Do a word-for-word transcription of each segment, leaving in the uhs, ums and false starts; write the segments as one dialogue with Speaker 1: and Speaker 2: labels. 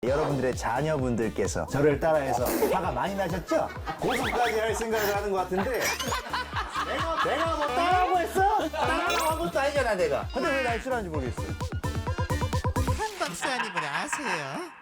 Speaker 1: 여러분들의 자녀분들께서 저를 따라해서 화가 많이 나셨죠? 고소까지 할 생각을 하는 것 같은데 내가, 내가 뭐 따라하고 했어? 따라하고 한 것도 아니잖아 내가. 근데 왜 날 싫어하는지 모르겠어.
Speaker 2: 한 박사님을 아세요?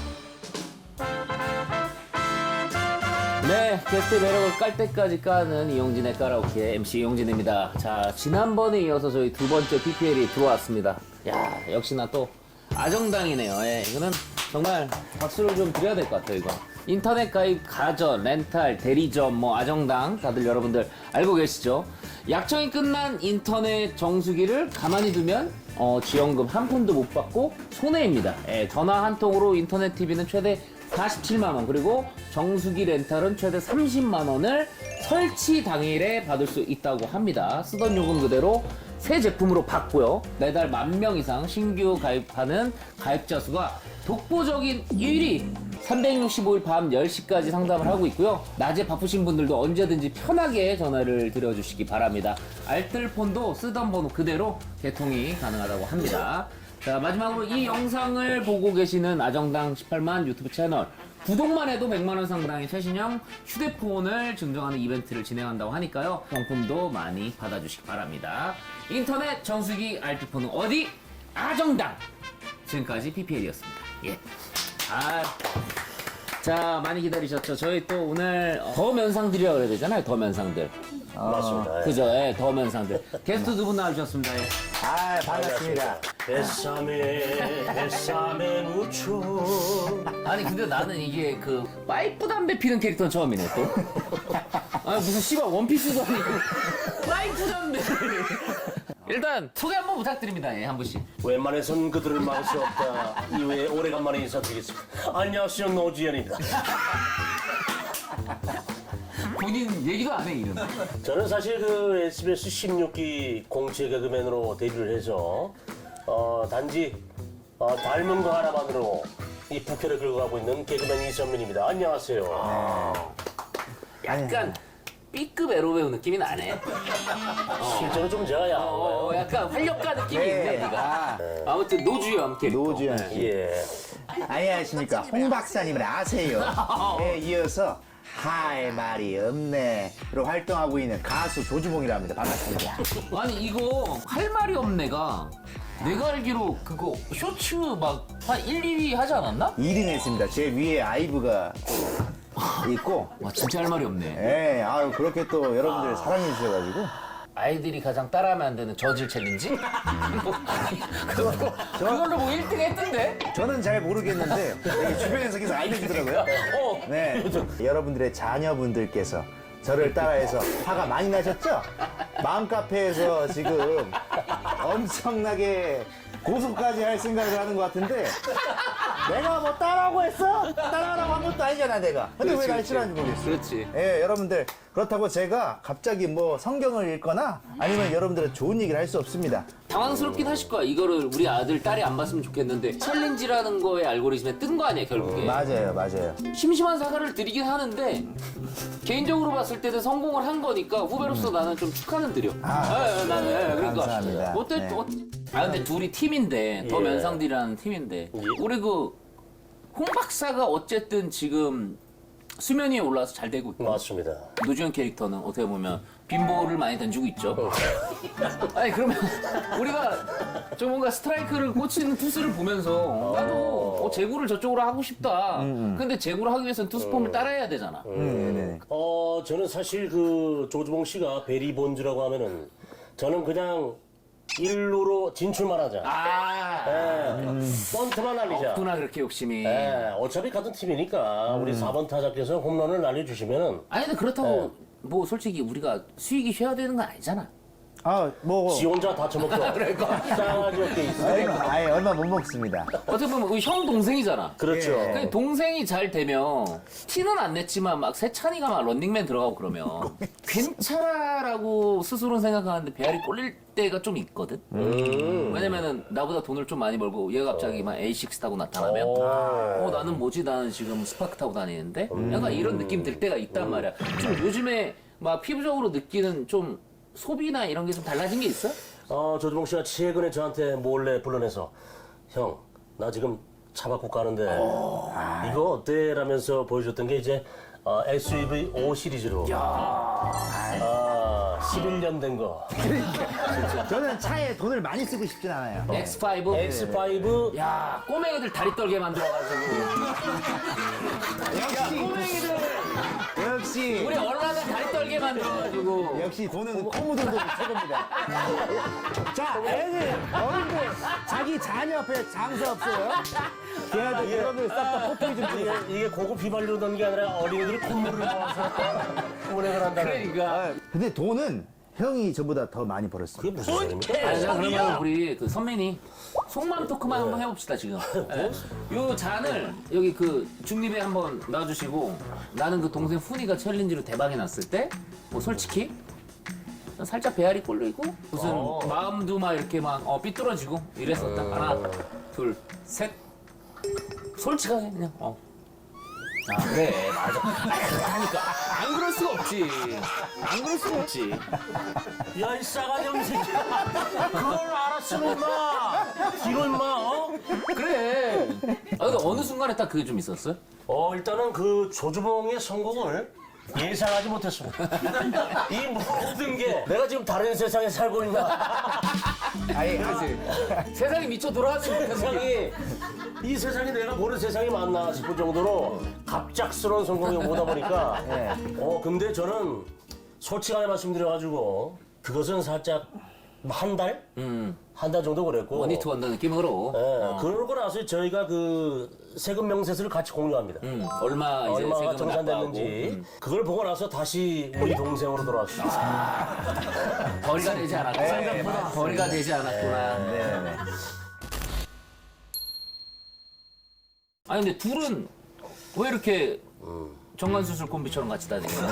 Speaker 3: 네, 게스트 매력을 깔 때까지 까는 이용진의 까라오케 엠씨 이용진입니다. 자, 지난번에 이어서 저희 두 번째 피피엘이 들어왔습니다. 야, 역시나 또 아정당이네요. 예, 이거는 정말 박수를 좀 드려야 될 것 같아요, 이거. 인터넷 가입, 가전, 렌탈, 대리점, 뭐 아정당 다들 여러분들 알고 계시죠? 약정이 끝난 인터넷 정수기를 가만히 두면 어, 지원금 한 푼도 못 받고 손해입니다. 예, 전화 한 통으로 인터넷 티비는 최대 사십칠만 원, 그리고 정수기 렌탈은 최대 삼십만 원을 설치 당일에 받을 수 있다고 합니다. 쓰던 요금 그대로 새 제품으로 받고요. 매달 만 명 이상 신규 가입하는 가입자 수가 독보적인 일 위, 삼백육십오 일 밤 열 시까지 상담을 하고 있고요. 낮에 바쁘신 분들도 언제든지 편하게 전화를 드려주시기 바랍니다. 알뜰폰도 쓰던 번호 그대로 개통이 가능하다고 합니다. 자, 마지막으로 이 영상을 보고 계시는 아정당 십팔만 유튜브 채널, 구독만 해도 백만 원 상당의 최신형 휴대폰을 증정하는 이벤트를 진행한다고 하니까요. 경품도 많이 받아주시기 바랍니다. 인터넷 정수기 알뜰폰은 어디? 아정당! 지금까지 피피엘이었습니다. 예. 아, 자, 많이 기다리셨죠? 저희 또 오늘 더 면상들이라고 그래야 되잖아요. 더 면상들.
Speaker 4: 맞습니다. 예.
Speaker 3: 그죠? 예, 더 면상들. 게스트 두 분 나와주셨습니다. 예.
Speaker 1: 아 반갑습니다.
Speaker 4: 뱃삼에 뱃삼에 묻혀.
Speaker 3: 아니 근데 나는 이게 그 파이프 담배 피는 캐릭터는 처음이네 또. 아니 무슨 씨발 원피스도 아니고 파이프 담배. 일단 소개 한번 부탁드립니다. 예, 한 분씩.
Speaker 4: 웬만해선 그들을 막을 수 없다. 이후에 오래간만에 인사드리겠습니다. 안녕하세요, 노지현입니다.
Speaker 3: 본인 얘기도 안 해 이름.
Speaker 4: 저는 사실 그 에스비에스 십육 기 공채 개그맨으로 데뷔를 해서 어, 단지 어, 닮은 거 하나만으로 이 부캐를 긁어가고 있는 개그맨 이선민입니다. 안녕하세요.
Speaker 3: 약간 B급 에로 배우 느낌이 나네.
Speaker 4: 실제로 좀 제가 야한
Speaker 3: 어,
Speaker 4: 거예요.
Speaker 3: 약간 활력가 느낌이 있네
Speaker 1: 네.
Speaker 3: 네가.
Speaker 1: 아,
Speaker 3: 아무튼 노주현 캐릭터.
Speaker 1: 노주현 씨.
Speaker 4: 예.
Speaker 1: 안녕하십니까. 홍 박사님을 아세요? 에 이어서 할 말이 없네로 활동하고 있는 가수 조주봉이라 합니다. 반갑습니다.
Speaker 3: 아니 이거 할 말이 없네가 내가 알기로 그거 쇼츠 막 한 일, 이 위 하지 않았나?
Speaker 1: 일 등 했습니다. 제 위에 아이브가 또 있고
Speaker 3: 와 진짜 할 말이 없네.
Speaker 1: 예, 아유 그렇게 또 여러분들 사랑해 주셔가지고
Speaker 3: 아이들이 가장 따라하면 안 되는 저질 챌린지? 뭐, 그걸로, 그걸로 뭐 일 등 했던데?
Speaker 1: 저는 잘 모르겠는데 여기 주변에서 계속 알려주더라고요.
Speaker 3: 어.
Speaker 1: 네, 여러분들의 자녀분들께서 저를 따라해서 화가 많이 나셨죠? 마음카페에서 지금 엄청나게 고소까지 할 생각을 하는 것 같은데 내가 뭐 따라하고 했어? 따라하라고 한 것도 아니잖아 내가. 근데 왜 날 싫어하는지 모르겠어.
Speaker 3: 그렇지.
Speaker 1: 예, 여러분들 그렇다고 제가 갑자기 뭐 성경을 읽거나 아니면 여러분들은 좋은 얘기를 할 수 없습니다.
Speaker 3: 당황스럽긴 하실 거야. 이거를 우리 아들, 딸이 안 봤으면 좋겠는데 챌린지라는 거에 알고리즘에 뜬 거 아니야 결국에.
Speaker 1: 맞아요, 맞아요.
Speaker 3: 심심한 사과를 드리긴 하는데 개인적으로 봤을 때는 성공을 한 거니까 후배로서 나는 좀 축하는 드려.
Speaker 1: 아,
Speaker 3: 예, 예, 나는 예, 그러니까
Speaker 1: 감사합니다.
Speaker 3: 어때?
Speaker 1: 네.
Speaker 3: 어, 아 근데 둘이 팀인데 더
Speaker 4: 예.
Speaker 3: 면상들이라는 팀인데 우리 그 홍 박사가 어쨌든 지금 수면 위에 올라와서 잘 되고 있고
Speaker 4: 맞습니다.
Speaker 3: 노주현 캐릭터는 어떻게 보면 빈볼을 많이 던지고 있죠. 아니 그러면 우리가 좀 뭔가 스트라이크를 꽂히는 투수를 보면서 나도 어, 제구를 저쪽으로 하고 싶다. 근데 제구를 하기 위해서는 투수폼을 따라해야 되잖아.
Speaker 1: 네네.
Speaker 4: 어, 저는 사실 그 조주봉 씨가 베리 본즈라고 하면은 저는 그냥 일루로 진출만 하자.
Speaker 3: 아,
Speaker 4: 예, 번트만 날리자.
Speaker 3: 없구나 그렇게 욕심이.
Speaker 4: 예, 어차피 같은 팀이니까 우리 사 번 타자께서 홈런을 날려주시면은
Speaker 3: 아니 근데 그렇다고 뭐 솔직히 우리가 수익이 쉬어야 되는 건 아니잖아.
Speaker 1: 아, 뭐.
Speaker 4: 지 혼자 다 처먹죠. 싸가지 없게 있어.
Speaker 1: 아이, 아이, 얼마 못 먹습니다.
Speaker 3: 어떻게 보면 우리 형 동생이잖아.
Speaker 4: 그렇죠.
Speaker 1: 예.
Speaker 3: 그 동생이 잘 되면 티는 안 냈지만 막 세찬이가 막 런닝맨 들어가고 그러면 괜찮아라고 스스로는 생각하는데 배알이 꼴릴 때가 좀 있거든. 왜냐면은 나보다 돈을 좀 많이 벌고 얘가 갑자기 막 에이식스 타고 나타나면 어 나는 뭐지 나는 지금 스파크 타고 다니는데 약간 이런 느낌 들 때가 있단 말이야. 좀 요즘에 막 피부적으로 느끼는 좀 소비나 이런 게 좀 달라진 게 있어?
Speaker 4: 어, 조주봉 씨가 최근에 저한테 몰래 불러내서 형, 나 지금 차 바꾸고 가는데 이거 어때? 라면서 보여줬던 게 이제 어, 에스유브이 오 시리즈로 아, 십일 년 된 거.
Speaker 1: 저는 차에 돈을 많이 쓰고 싶진 않아요.
Speaker 3: 엑스 파이브.
Speaker 4: 엑스 파이브
Speaker 3: 야, 꼬맹이들 다리 떨게 만들어가지고.
Speaker 1: 역시
Speaker 3: 꼬맹이들.
Speaker 1: 역시
Speaker 3: 우리 얼라들 다리 떨게 만들어가지고.
Speaker 1: 역시 돈은 코모도도 최고입니다. 자, 애들, 어른들, 자기 자녀 앞에 장사 없어요? 걔네들 여러분들 싹 다 포토기 좀 주세요.
Speaker 4: 이게, 이게 고급 휘발유로 넣는 게 아니라 어린이들이 콧물을 모아서 운행을 한다는.
Speaker 3: 그러니까.
Speaker 1: 근데 돈은 형이 저보다 더 많이 벌었어요.
Speaker 4: 그게 무슨 소리입니까?
Speaker 3: 아니, 자, 그러면 우리 그 선배님 속마음 토크만 한번 해봅시다 지금. 예. 요 잔을 여기 그 중립에 한번 놔주시고 나는 그 동생 훈이가 챌린지로 대박이 났을 때 뭐 솔직히 살짝 배알이 꼴리고 무슨
Speaker 4: 어.
Speaker 3: 마음도 막 이렇게 막 어, 삐뚤어지고 이랬었다. 하나, 둘, 셋. 솔직하게 그냥 어. 아 그래 맞아. 아, 그렇다니까 안 그럴 수가 없지. 안 그럴 수가 없지.
Speaker 4: 야, 이 싸가지 없는 새끼야. 그걸 알았으면 임마. 이거 임마, 어?
Speaker 3: 그래. 아, 근데 어느 순간에 딱 그게 좀 있었어요?
Speaker 4: 어, 일단은 그 조주봉의 성공을 예상하지 못했습니다. 이 모든 게 내가 지금 다른 세상에 살고 있나?
Speaker 1: 아니,
Speaker 3: 세상이 미쳐 돌아가는
Speaker 4: 세상이, 이 세상이 내가 모르는 세상이 맞나 싶을 정도로 갑작스러운 성공이 오다 보니까
Speaker 1: 네.
Speaker 4: 어, 근데 저는 솔직하게 말씀드려가지고 그것은 살짝 한 달?
Speaker 3: 음.
Speaker 4: 한 달 정도 그랬고.
Speaker 3: 원히트 원더 느낌으로.
Speaker 4: 예,
Speaker 3: 어.
Speaker 4: 그러고 나서 저희가 그 세금 명세서를 같이 공유합니다.
Speaker 3: 음, 얼마 이제
Speaker 4: 얼마가
Speaker 3: 세금을
Speaker 4: 정산됐는지
Speaker 3: 납부하고.
Speaker 4: 그걸 보고 나서 다시 우리 동생으로 돌아왔습니다.
Speaker 3: 음. 벌이가 되지 않았구나. 생각보다 벌이가 되지 않았구나.
Speaker 1: 네네.
Speaker 3: 아니 근데 둘은 왜 이렇게 정관수술 콤비처럼 같이 다니는 거야?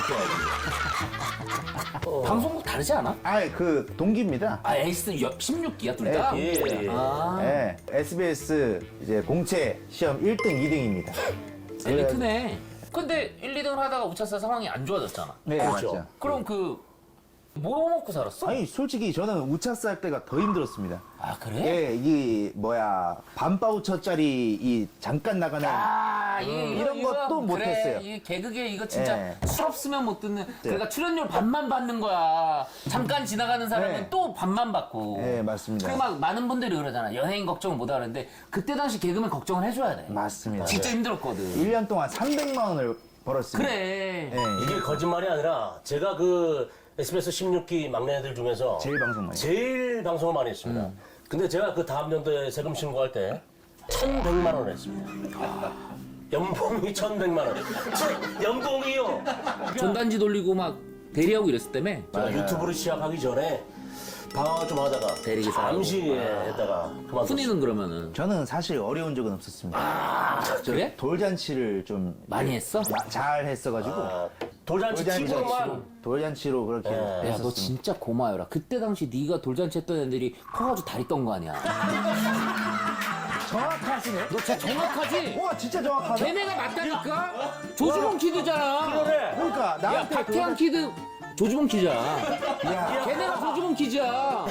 Speaker 3: 어. 방송국 다르지 않아?
Speaker 1: 아, 그 동기입니다.
Speaker 3: 아 에이스 십육 기야 둘 다?
Speaker 4: 예, 예.
Speaker 3: 아
Speaker 1: 네, 에스비에스 이제 공채 시험 일 등, 이 등입니다.
Speaker 3: 엘리트네. 근데 일, 이 등을 하다가 우차사 상황이 안 좋아졌잖아.
Speaker 1: 네,
Speaker 4: 그렇죠.
Speaker 1: 맞죠.
Speaker 3: 그럼 그 뭐 먹고 살았어?
Speaker 1: 아니, 솔직히 저는 우차사 할 때가 더 힘들었습니다.
Speaker 3: 아 그래?
Speaker 1: 예, 이 뭐야 반바우처짜리 이 잠깐 나가는
Speaker 3: 아, 이게
Speaker 1: 이런
Speaker 3: 이거,
Speaker 1: 것도 못
Speaker 3: 그래,
Speaker 1: 했어요.
Speaker 3: 이 개그계 이거 진짜
Speaker 1: 예.
Speaker 3: 술 없으면 못 듣는. 그러니까 출연료 반만 받는 거야. 잠깐 지나가는 사람은
Speaker 1: 네.
Speaker 3: 또 반만 받고.
Speaker 1: 네, 맞습니다.
Speaker 3: 그리고 막 많은 분들이 그러잖아. 여행 걱정 못 하는데 그때 당시 개그맨 걱정을 해줘야 돼.
Speaker 1: 맞습니다.
Speaker 3: 진짜 힘들었거든.
Speaker 1: 일 년 동안 삼백만 원을 벌었습니다.
Speaker 3: 그래.
Speaker 1: 예,
Speaker 4: 이게 거짓말이 아니라 제가 그 에스비에스 십육 기 막내들 중에서
Speaker 1: 제일 방송 많이.
Speaker 4: 제일 방송을 많이 했습니다. 근데 제가 그 다음 연도에 세금 신고할 때 천백만 원 했습니다. 연봉이 천백만 원. 저, 연봉이요.
Speaker 3: 전단지 돌리고 막 대리하고 이랬을 때문에.
Speaker 4: 제가 유튜브를 시작하기 전에 방황을 좀 하다가
Speaker 3: 대리기사
Speaker 4: 잠시 예, 했다가 그만뒀어요.
Speaker 3: 훈이는 그러면은
Speaker 1: 저는 사실 어려운 적은 없었습니다.
Speaker 3: 아, 그래?
Speaker 1: 돌잔치를 좀
Speaker 3: 많이 했어?
Speaker 1: 마- 잘 했어가지고
Speaker 4: 아, 돌잔치
Speaker 1: 돌잔치
Speaker 4: 친구만
Speaker 1: 돌잔치로 그렇게
Speaker 4: 예.
Speaker 3: 야, 너
Speaker 1: 했었습니다.
Speaker 3: 진짜 고마워라. 그때 당시 네가 돌잔치 했던 애들이 퍼가지고 다리 떤 거 아니야.
Speaker 1: 정확하시네.
Speaker 3: 너 진짜 정확하지?
Speaker 1: 와, 진짜 정확하네.
Speaker 3: 걔네가 맞다니까? 조주봉 키드잖아.
Speaker 4: 그래.
Speaker 1: 그러니까
Speaker 3: 야,
Speaker 1: 나한테
Speaker 3: 박태환 키드 조주봉 키즈야.
Speaker 1: 야,
Speaker 3: 걔네가 조주봉 키즈야.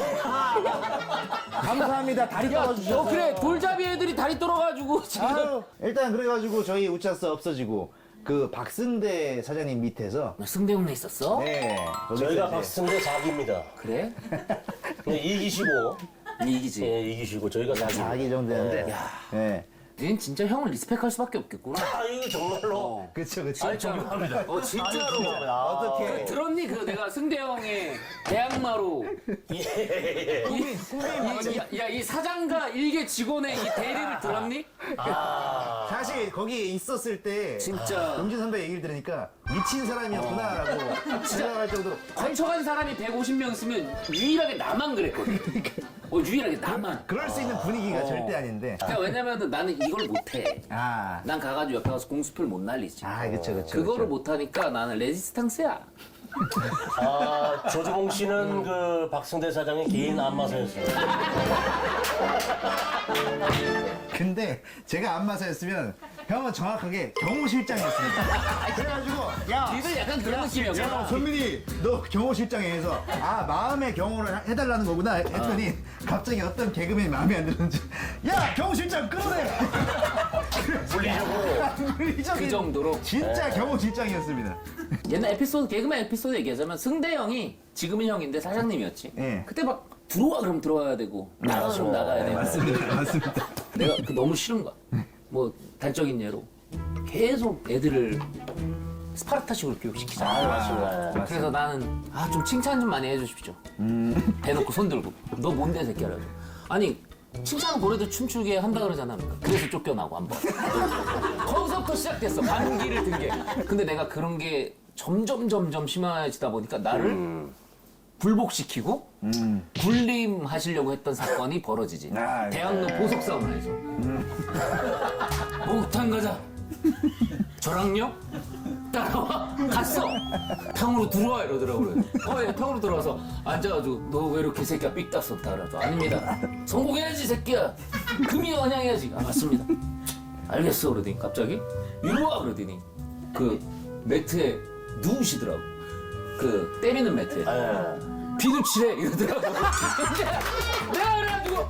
Speaker 1: 감사합니다. 다리
Speaker 3: 야,
Speaker 1: 떨어주셔서.
Speaker 3: 너 그래 돌잡이 애들이 다리 떨어가지고 지금.
Speaker 1: 아유, 일단 그래가지고 저희 우차사 없어지고 그 박승대 사장님 밑에서
Speaker 3: 승대훈에 있었어?
Speaker 1: 네 거기서
Speaker 4: 저희가
Speaker 1: 이제
Speaker 4: 박승대 사기입니다.
Speaker 3: 그래?
Speaker 4: 이기시고
Speaker 3: 이기지.
Speaker 4: 예, 이기시고 저희가 사기.
Speaker 1: 사기 정도 되는데 네
Speaker 3: 얜 진짜 형을 리스펙할 수밖에 없겠구나.
Speaker 4: 아 이거 정말로.
Speaker 3: 어.
Speaker 1: 그쵸 그쵸
Speaker 4: 아니 존경합니다.
Speaker 3: 어 진짜로.
Speaker 1: 어떻게
Speaker 3: 들었니 그 내가 승대 형의 대항마로
Speaker 4: 예.
Speaker 3: 야이 사장과 일개 직원의 이 대리를 들었니?
Speaker 4: 아.
Speaker 1: 사실 거기 있었을 때
Speaker 3: 진짜.
Speaker 1: 용진 선배 얘기를 들으니까 미친 사람이었구나라고 생각할 정도로
Speaker 3: 거쳐간 사람이 백오십 명 있으면 유일하게 나만 그랬거든. 어 유일하게 나만.
Speaker 1: 그럴 수 있는 분위기가
Speaker 3: 어.
Speaker 1: 절대 아닌데
Speaker 3: 그러니까 왜냐면 나는 이걸 못해.
Speaker 1: 아,
Speaker 3: 난 가가지고 옆에 가서 공수표를 못 날리지.
Speaker 1: 아 그쵸 그쵸
Speaker 3: 그거를
Speaker 1: 그쵸.
Speaker 3: 못하니까 나는 레지스탕스야.
Speaker 4: 아 조주봉 씨는 그 박승대 사장의 개인 안마사였습니다.
Speaker 1: 근데 제가 안마사였으면 형은 정확하게 경호실장이었습니다. 그래가지고 야
Speaker 3: 니들 약간 그런 느낌이었구나.
Speaker 1: 야, 손민이, 너 경호실장에 해서, 아, 마음의 경호를 하- 해달라는 거구나 했더니, 갑자기 어떤 개그맨이 마음에 안 들었는지, 야, 경호실장 끌어내!
Speaker 4: 물리적으로.
Speaker 3: 그 정도로.
Speaker 1: 진짜 겨우 질장이었습니다.
Speaker 3: 옛날 에피소드, 개그맨 에피소드 얘기하자면 승대 형이 지금은 형인데 사장님이었지.
Speaker 1: 예.
Speaker 3: 그때 막 들어와 그럼 들어와야 되고 나가 그럼 나가야 되고.
Speaker 1: 맞습니다. 맞습니다.
Speaker 3: 내가 그 너무 싫은 거야. 뭐 단적인 예로 계속 애들을 스파르타식으로 교육시키잖아.
Speaker 4: 아, 맞습니다.
Speaker 3: 그래서 나는 아 좀 칭찬 좀 많이 해주십시오. 대놓고 손 들고 너 뭔데 새끼야. 아니 칭찬 고래도 춤추게 한다 그러잖아. 그래서 쫓겨나고 한 번. 거기서부터 시작됐어. 반기를 든 게. 근데 내가 그런 게 점점 점점 심해지다 보니까 나를 굴복시키고 굴림하시려고 했던 사건이 벌어지지.
Speaker 1: 아,
Speaker 3: 대학로 보석 사우나에서. 목욕탕 가자. 저랑요? 따라와. 갔어. 탕으로 들어와 이러더라고요. 어, 예, 탕으로 들어와서 앉아가지고 너 왜 이렇게 새끼야 삑 땄었다 그래서 아닙니다. 성공해야지 새끼야. 금이 원양해야지. 아 맞습니다. 알겠어 그러더니 갑자기 이리 와 그러더니 그 매트에 누우시더라고. 그 때리는 매트에.
Speaker 4: 예.
Speaker 3: 비누칠해 이러더라고. 내가 그래가지고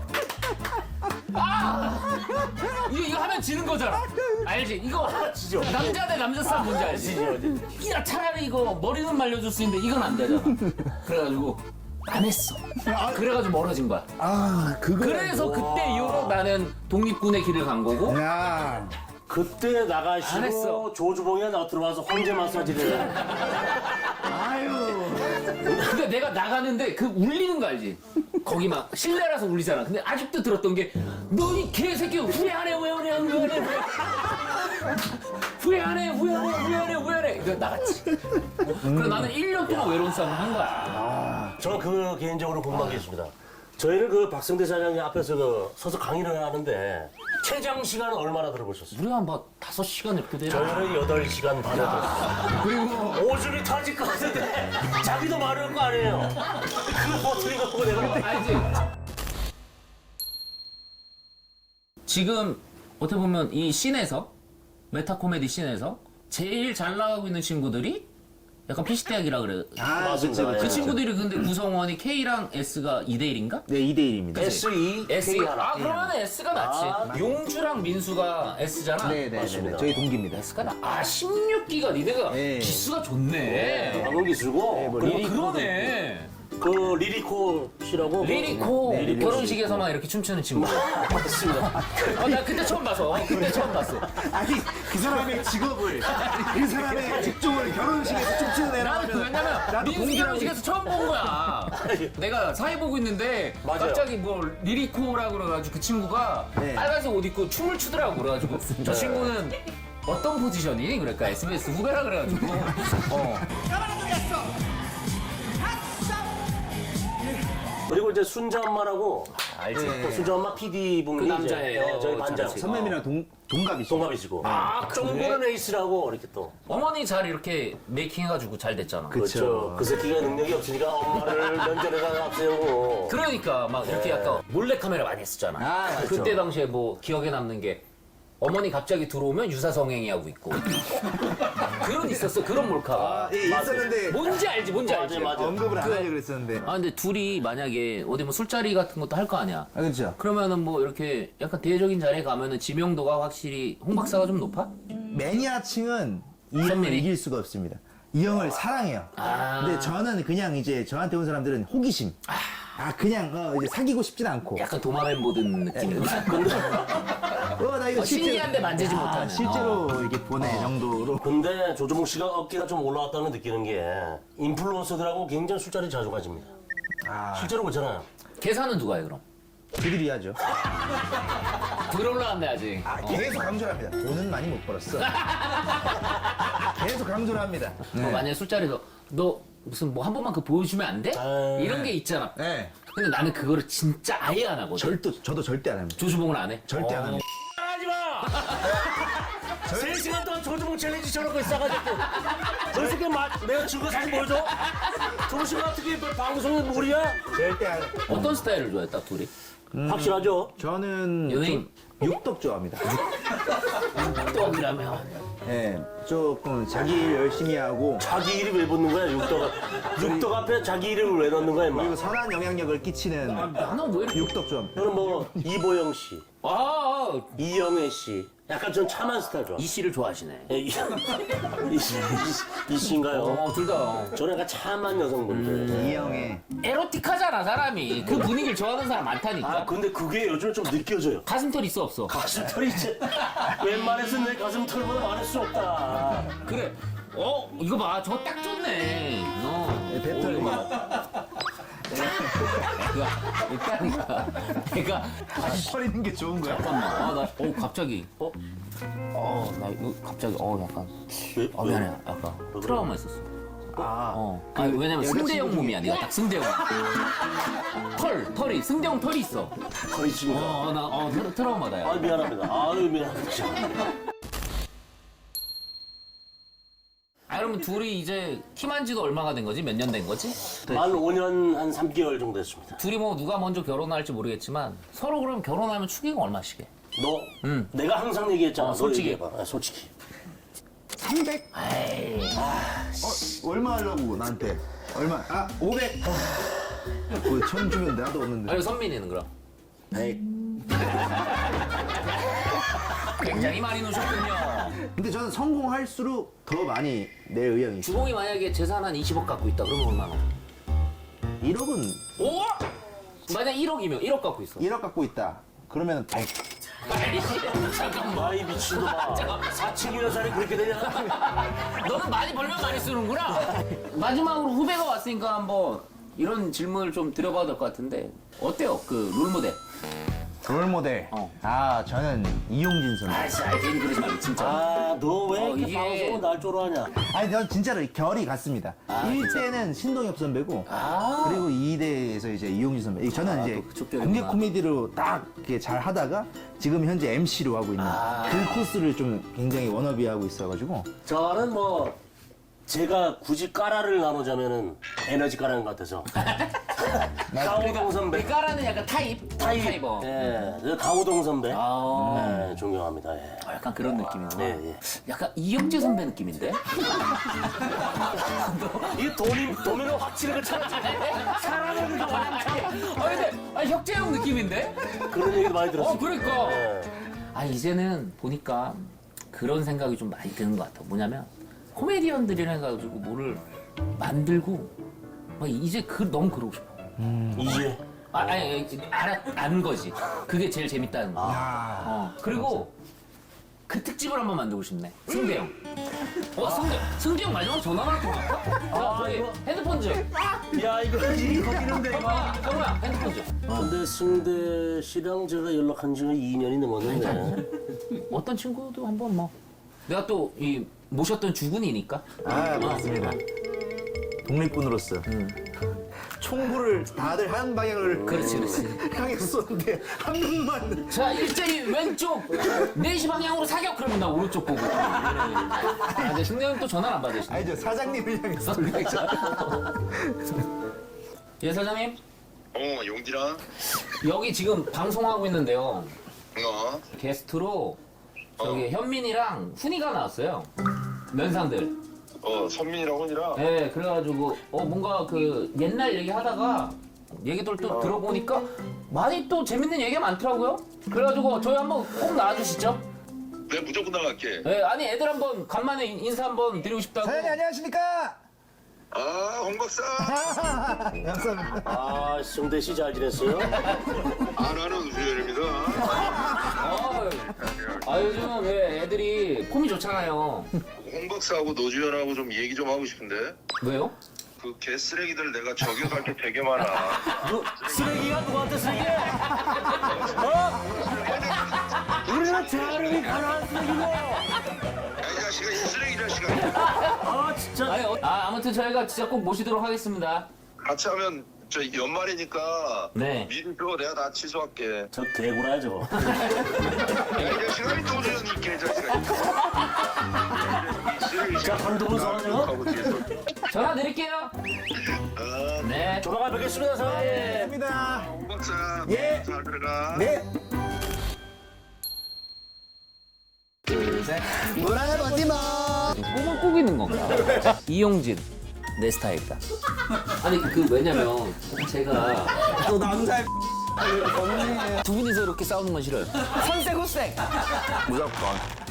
Speaker 3: 아 이거 이거 하면 지는 거잖아. 알지? 이거
Speaker 4: 지죠.
Speaker 3: 남자 대 남자 싸움 뭔지 알지? 야 차라리 이거 머리는 말려줄 수 있는데 이건 안 되잖아. 그래가지고 안 했어. 그래가지고 멀어진 거야.
Speaker 1: 아, 그거.
Speaker 3: 그래서 그때 이후로 나는 독립군의 길을 간 거고.
Speaker 1: 야.
Speaker 4: 그때
Speaker 3: 안
Speaker 4: 나가시고
Speaker 3: 했어.
Speaker 4: 조주봉이가 나 들어와서 황제 마사지를 해.
Speaker 1: 아유.
Speaker 3: 근데 내가 나가는데 그 울리는 거 알지? 거기 막 실내라서 울리잖아. 근데 아직도 들었던 게 너 이 개새끼 후회하네 후회하네 후회하네 후회하네 후회하네 후회하네 후회하네 그래서 나갔지. 그래서 나는 일 년 동안 외로운 싸움을 한 거야.
Speaker 4: 저는 그 개인적으로 궁금한 게 있습니다. 저희는 그 박성대 사장님 앞에서 그 서서 강의를 하는데 최장 시간은 얼마나 들어보셨어요?
Speaker 3: 우리가 뭐 다섯 시간 이렇게 되나?
Speaker 4: 저희는 여덟 시간 반에 들었어요.
Speaker 1: 그리고
Speaker 4: 오줌이 터질 것 같은데 자기도 말할 거 아니에요. 그 버튼이 갖고 내가
Speaker 3: 알지? 지금 어떻게 보면 이 씬에서 메타 코미디 씬에서 제일 잘 나가고 있는 친구들이 약간 피시대학이라 그래.
Speaker 1: 아,
Speaker 4: 맞습니다.
Speaker 1: 그치,
Speaker 3: 그
Speaker 1: 그치.
Speaker 3: 친구들이 근데 구성원이 K랑 S가 이 대 일인가?
Speaker 1: 네, 이 대 일입니다.
Speaker 4: 에스 이
Speaker 3: S.
Speaker 4: K 하나.
Speaker 3: 아 그러면 S가 낫지.
Speaker 4: 아,
Speaker 3: 용주랑 민수가 S잖아.
Speaker 1: 네, 네, 네, 네.
Speaker 4: 맞습니다.
Speaker 1: 저희 동기입니다.
Speaker 3: S가 나. 아 십육 기가 니네가
Speaker 1: 네.
Speaker 3: 기수가 좋네.
Speaker 4: 방금 기술고
Speaker 1: 뭐
Speaker 4: 그리고
Speaker 3: 리 그러네.
Speaker 4: 그 리리코 씨라고
Speaker 3: 리리코
Speaker 1: 네, 리리코
Speaker 3: 결혼식에서만 이렇게 춤추는 친구.
Speaker 4: 맞습니다.
Speaker 3: 어, 나 그때 처음 봤어. 어, 그때 처음 봤어.
Speaker 1: 아니, 그 사람의 직업을, 그 사람의 직종을 결혼식에서 춤추는 애라
Speaker 3: 나는 그
Speaker 1: 하면
Speaker 3: 왜냐면
Speaker 1: 나도
Speaker 3: 민수
Speaker 1: 동기라고
Speaker 3: 결혼식에서 처음 본 거야. 내가 사회 보고 있는데
Speaker 4: 맞아요.
Speaker 3: 갑자기 뭐 리리코라고 그래가지고 그 친구가
Speaker 1: 네.
Speaker 3: 빨간색 옷 입고 춤을 추더라고 그래가지고 저 친구는 어떤 포지션이? 그러니까 에스비에스 후배라 그래가지고 어.
Speaker 4: 그리고 이제 순자 엄마라고
Speaker 3: 알지.
Speaker 4: 또 순자 엄마 피디 분이
Speaker 3: 그 남자예요.
Speaker 4: 이제, 네, 저희 반장
Speaker 3: 잘하지.
Speaker 1: 선배님이랑 동, 동갑이시죠?
Speaker 4: 동갑이시고
Speaker 3: 아,
Speaker 4: 쫑보는 에이스라고 이렇게 또
Speaker 3: 어머니 잘 이렇게 메이킹 해가지고 잘 됐잖아.
Speaker 1: 그쵸.
Speaker 4: 그 새끼가 능력이 없으니까 엄마를 면전에다가 앞세우고
Speaker 3: 그러니까 막 이렇게 약간 몰래 카메라 많이 했었잖아.
Speaker 1: 아, 맞죠.
Speaker 3: 그때 당시에 뭐 기억에 남는 게 어머니 갑자기 들어오면 유사성행위 하고 있고 그런 있었어. 그런 몰카가.
Speaker 1: 예, 있었는데
Speaker 3: 뭔지 알지, 뭔지 알지.
Speaker 4: 맞아, 맞아.
Speaker 1: 언급을 안 하려고 그랬었는데.
Speaker 3: 아 근데 둘이 만약에 어디 뭐 술자리 같은 것도 할 거 아니야.
Speaker 1: 아, 그렇죠.
Speaker 3: 그러면은 뭐 이렇게 약간 대외적인 자리에 가면은 지명도가 확실히 홍 박사가 좀 높아?
Speaker 1: 매니아층은 이 형을
Speaker 3: 선배님?
Speaker 1: 이길 수가 없습니다. 이 형을 사랑해요.
Speaker 3: 아.
Speaker 1: 근데 저는 그냥 이제 저한테 온 사람들은 호기심. 아, 그냥 어, 이제 사귀고 싶진 않고.
Speaker 3: 약간 도마뱀 보던 느낌.
Speaker 1: 어, 나 이거
Speaker 3: 어,
Speaker 1: 실제로-
Speaker 3: 신기한데 만지지
Speaker 1: 아,
Speaker 3: 못하는.
Speaker 1: 실제로
Speaker 3: 어.
Speaker 1: 이렇게 보내 정도로.
Speaker 4: 근데 조조목 씨가 어깨가 좀 올라왔다는 느끼는 게 인플루언서들하고 굉장히 술자리 자주 가집니다.
Speaker 1: 아,
Speaker 4: 실제로 그렇잖아요.
Speaker 3: 계산은 누가 해 그럼?
Speaker 1: 그들이 하죠.
Speaker 3: 덜 올라왔네 아직.
Speaker 1: 아, 계속 강조를 합니다. 돈은 많이 못 벌었어. 계속 강조를 합니다.
Speaker 3: 어, 만약에 술자리에서 너 무슨 뭐 한 번만 그 보여주면 안 돼?
Speaker 4: 에이.
Speaker 3: 이런 게 있잖아.
Speaker 1: 네.
Speaker 3: 근데 나는 그거를 진짜 아예 안 하거든.
Speaker 1: 절도, 저도 절대 안 합니다.
Speaker 3: 조주봉은 안 해?
Speaker 1: 절대 안
Speaker 3: 어.
Speaker 1: 합니다.
Speaker 4: 하지 마! 세 시간 동안 조조목 챌린지 저러고 있어가지고 저 새끼 마, 내가 증거 사진 보여줘? 조조목 씨가 어떻게 방송에 무리야?
Speaker 1: 절대 안 해요.
Speaker 3: 어떤 스타일을 좋아해 딱 둘이?
Speaker 4: 확실하죠?
Speaker 1: 저는
Speaker 3: 연예인?
Speaker 1: 좀 육덕 좋아합니다.
Speaker 3: 또 그러면
Speaker 1: 네, 조금 자기 일 열심히 하고
Speaker 4: 자기 이름 왜 붙는 거야, 육덕? 육덕 앞에 자기 이름을 왜 넣는 거야, 임마?
Speaker 1: 그리고 선한 영향력을 끼치는
Speaker 3: 나는 왜 이렇게
Speaker 1: 육덕 좋아합니다.
Speaker 4: 저는 뭐 이보영 씨,
Speaker 3: 아, 아 어,
Speaker 4: 이영애 씨. 약간 좀 참한 스타일 좋아.
Speaker 3: 이 씨를 좋아하시네.
Speaker 4: 예, 이, 이, 씨, 이, 이 씨인가요?
Speaker 3: 어, 둘 다.
Speaker 4: 저는 약간 참한 여성분들.
Speaker 1: 이형의
Speaker 3: 에로틱하잖아, 사람이. 그 분위기를 좋아하는 사람 많다니까.
Speaker 4: 아, 근데 그게 요즘 좀 느껴져요.
Speaker 3: 가슴털 있어, 없어?
Speaker 4: 가슴털이 이제 웬만해서 내 가슴털보다 많을 수 없다.
Speaker 3: 그래. 어, 이거 봐. 저거 딱 좋네. 어.
Speaker 1: 배터리.
Speaker 3: 야, 일단이가 내가
Speaker 1: 다시 털 있는 게 좋은 거야?
Speaker 3: 잠깐만. 아, 나, 어, 갑자기. 어? 어, 나 이거 갑자기, 어, 약간.
Speaker 4: 왜?
Speaker 3: 어, 미안해. 약간 트라우마 있었어.
Speaker 1: 아,
Speaker 3: 어. 아니, 왜냐면 승대형 몸이야. 네가 딱 승대형. 털, 털이. 승대형 털이 있어.
Speaker 4: 거의 지금. 아,
Speaker 3: 어, 나, 어, 트라, 트라우마다, 야.
Speaker 4: 미안합니다. 아유, 미안합니다.
Speaker 3: 아, 그러면 둘이 이제 팀한 지도 얼마가 된 거지? 몇 년 된 거지?
Speaker 4: 만 오 년 한 삼 개월 정도 됐습니다.
Speaker 3: 둘이 뭐 누가 먼저 결혼할지 모르겠지만 서로 그럼 결혼하면 축의금 얼마씩 해?
Speaker 4: 너,
Speaker 3: 응.
Speaker 4: 내가 항상 얘기했잖아.
Speaker 3: 어,
Speaker 4: 너
Speaker 3: 솔직히.
Speaker 4: 얘기해봐. 아, 솔직히.
Speaker 1: 삼백?
Speaker 3: 에이.
Speaker 1: 어, 얼마 하려고 나한테? 얼마? 아, 오백. 뭐, 천 주면 나도 없는데.
Speaker 3: 아니, 선민이는 그럼?
Speaker 4: 백.
Speaker 3: 굉장히 많이 놓으셨군요.
Speaker 1: 근데 저는 성공할수록 더 많이 낼 의향이 있어요.
Speaker 3: 주공이 만약에 재산 한 이십억 갖고 있다. 그러면 얼마나?
Speaker 1: 일억은
Speaker 3: 오! 만약 일억이면 일억 갖고 있어.
Speaker 1: 일억 갖고 있다. 그러면 백.
Speaker 3: 아이씨, 잠깐만.
Speaker 4: 아이, 미친놈아.
Speaker 3: 잠깐만.
Speaker 4: 사층이나 살이 그렇게 되냐?
Speaker 3: 너는 많이 벌면 많이 쓰는구나. 마지막으로 후배가 왔으니까 한번 이런 질문을 좀 드려봐도 될 것 같은데 어때요? 그 롤모델.
Speaker 1: 롤모델.
Speaker 3: 어.
Speaker 1: 아, 저는 이용진 선수.
Speaker 3: 아이씨, 아이씨, 그러지 말고 진짜.
Speaker 4: 아, 너 왜
Speaker 3: 어,
Speaker 4: 이렇게
Speaker 3: 이게-
Speaker 4: 방송은 날 쪼로하냐?
Speaker 1: 아니, 전 진짜로 결이 같습니다. 일 대는 신동엽 선배고,
Speaker 3: 아.
Speaker 1: 그리고 이 대에서 이제 이용진 선배. 저는
Speaker 3: 아,
Speaker 1: 이제
Speaker 3: 또 그쪽 결이구나.
Speaker 1: 공개 코미디로 딱 이렇게 잘 하다가 지금 현재 엠시로 하고 있는
Speaker 3: 아.
Speaker 1: 그 코스를 좀 굉장히 워너비 하고 있어가지고.
Speaker 4: 저는 뭐 제가 굳이 까라를 나누자면은 에너지 까라는 것 같아서 강호동 선배.
Speaker 3: 그 까라는 약간 타입?
Speaker 4: 타입.
Speaker 3: 타입어.
Speaker 4: 예, 저 강호동 선배.
Speaker 3: 아,
Speaker 4: 예, 존경합니다. 예.
Speaker 3: 어, 약간 그런 느낌이구나.
Speaker 4: 예, 예.
Speaker 3: 약간 이영재 선배 느낌인데?
Speaker 4: 이 도미, 도미노 확실하게 찾았잖아. 사랑하는 거 많다.
Speaker 3: 아, 근데 아, 혁재형 느낌인데?
Speaker 4: 그런 얘기도 많이 들었어요.
Speaker 3: 어, 그러니까.
Speaker 4: 예.
Speaker 3: 아, 이제는 보니까 그런 생각이 좀 많이 드는 것 같아. 뭐냐면 코미디언들이라 해가지고 뭐를 만들고 막 이제 그 너무 그러고 싶어.
Speaker 4: 이제
Speaker 3: 아, 아니, 아니, 알아, 아는 거지. 그게 제일 재밌다는 거. 어, 그리고 그 특집을 한번 만들고 싶네. 승대형. 어, 승대형. 승대형 마지막으로 전화가 왔던 것 같아. 자, 저기
Speaker 4: 이거.
Speaker 3: 핸드폰 좀.
Speaker 4: 야 이거 일이 거기는데 이거.
Speaker 3: 정우야, 핸드폰 좀.
Speaker 4: 근데 승대 씨랑 제가 연락한 지가 이 년이 넘었는데
Speaker 3: 어떤 친구도 한번 뭐. 내가 또 이 모셨던 주군이니까.
Speaker 1: 아, 맞습니다. 독립군으로서. 총구를 다들 한 방향을
Speaker 3: 그렇지, 그렇지.
Speaker 1: 향해서 쏘는데 한 명만.
Speaker 3: 자, 일제히 왼쪽 네 시 방향으로 사격. 그러면 나 오른쪽 보고. 아, 근데 승대형 또 전화를 안 받으시네.
Speaker 1: 아니죠, 사장님을 향해서.
Speaker 3: 예, 사장님.
Speaker 5: 어, 용진아.
Speaker 3: 여기 지금 방송하고 있는데요.
Speaker 5: 어,
Speaker 3: 게스트로 저기 현민이랑 훈이가 나왔어요. 면상들.
Speaker 5: 어, 선민이라고 하니라.
Speaker 3: 예, 그래가지고 어 뭔가 그 옛날 얘기하다가 얘기들 또 들어보니까 많이 또 재밌는 얘기가 많더라고요. 그래가지고 저희 한번 꼭 나와주시죠.
Speaker 5: 내가 무조건 나갈게.
Speaker 3: 예, 아니 애들 한번 간만에 인- 인사 한번 드리고 싶다고.
Speaker 1: 사장님 안녕하십니까?
Speaker 5: 아, 홍 박사.
Speaker 1: 감사합니다.
Speaker 4: 아 승대 씨 잘 지냈어요?
Speaker 5: 아, 나는 우수열입니다.
Speaker 3: 아, 아 요즘 예, 애들이 폼이 좋잖아요.
Speaker 5: 홍 박사하고 노주현하고 좀 얘기 좀 하고 싶은데.
Speaker 3: 왜요?
Speaker 5: 그 개쓰레기들 내가 저격할 게 되게 많아.
Speaker 4: 너 쓰레기가 누구한테 쓰레기? 어? 우리는 대한민국 가난한 쓰레기고.
Speaker 5: 야, 이 자식아, 이 쓰레기 자식아.
Speaker 4: 아 진짜.
Speaker 3: 아니, 어, 아 아무튼 저희가 진짜 꼭 모시도록 하겠습니다.
Speaker 5: 같이 하면 저 연말이니까
Speaker 3: 네.
Speaker 5: 미리 줘. 내가 다 취소할게.
Speaker 4: 저 개구라야 저거.
Speaker 5: 야, 이 자식아, 이 노주현 이 개자식아. 이 쓰레기
Speaker 4: 자 단독으로 서가지고.
Speaker 5: 하고 뒤에서.
Speaker 3: 전화 드릴게요.
Speaker 5: 아,
Speaker 3: 네.
Speaker 4: 조만간 뵙겠습니다 사장님.
Speaker 1: 감사합니다.
Speaker 5: 홍 박사.
Speaker 1: 예.
Speaker 5: 잘 들어가.
Speaker 1: 네. 둘, 셋. 놀아보지 마.
Speaker 3: 꿈을 꾸기는 건가? 이용진 내 스타일이다. 아니 그 왜냐면 제가
Speaker 1: 너 남자.
Speaker 3: 두 분이서 이렇게 싸우는 건 싫어요.
Speaker 6: 선생 후생.
Speaker 1: 무조건.